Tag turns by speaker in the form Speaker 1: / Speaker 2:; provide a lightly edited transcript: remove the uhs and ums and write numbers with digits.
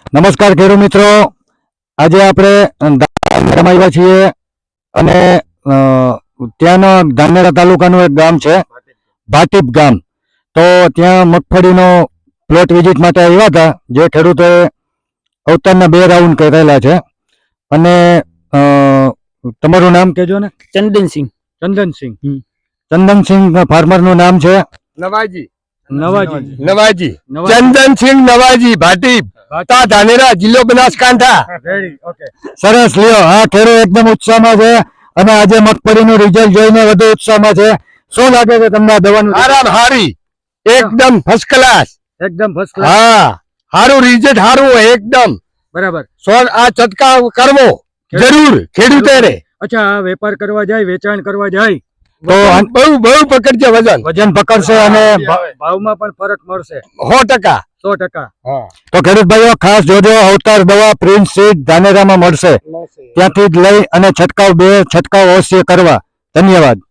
Speaker 1: નમસ્કાર ખેડૂત મિત્રો, આજે આપણે ધાનેરામાં આવ્યા છીએ અને ત્યાંનો ધાનેરા તાલુકાનું એક ગામ છે ભાટીપ ગામ. તો ત્યાં મગફળીનો પ્લોટ વિઝિટ માટે આવ્યા હતા, જે ખેડૂતોએ અવતારના 2 રાઉન્ડ કરેલા છે. અને તમારું નામ કહેજો ને.
Speaker 2: ચંદનસિંહ.
Speaker 1: ચંદનસિંહ ફાર્મરનું નામ છે
Speaker 3: નવાજી
Speaker 1: નવાજી
Speaker 3: ચંદનસિંહ નવાજી ભાટીપ ધાનેરા જિલ્લો બનાસકાંઠા.
Speaker 1: સરસ લ્યો. હા, ખેડૂત એકદમ ઉત્સાહમાં છે અને આજે મગફળીનું રિઝલ્ટ જોઈને વધુ ઉત્સાહમાં છે. શું લાગે છે તમને આ દવાનું?
Speaker 3: હારી એકદમ ફર્સ્ટ ક્લાસ.
Speaker 1: એકદમ ફર્સ્ટ ક્લાસ.
Speaker 3: હા, સારું રિઝલ્ટ, સારું હોય એકદમ
Speaker 1: બરાબર.
Speaker 3: આ છંટકાવ કરવો જરૂર ખેડૂતોને.
Speaker 1: અચ્છા, આ વેપાર કરવા જાય, વેચાણ કરવા જાય
Speaker 3: તો બહુ પકડશે,
Speaker 1: વજન પકડશે અને ભાવમાં પણ ફરક મળશે
Speaker 3: 100%.
Speaker 1: 100%. તો ખેડૂત ભાઈઓ ખાસ જોજો, અવતાર દવા પ્રિન્સ સીડ ધાનેરામાં મળશે. ત્યાંથી જ લઈ અને છંટકાવ અવશ્ય કરવા. ધન્યવાદ.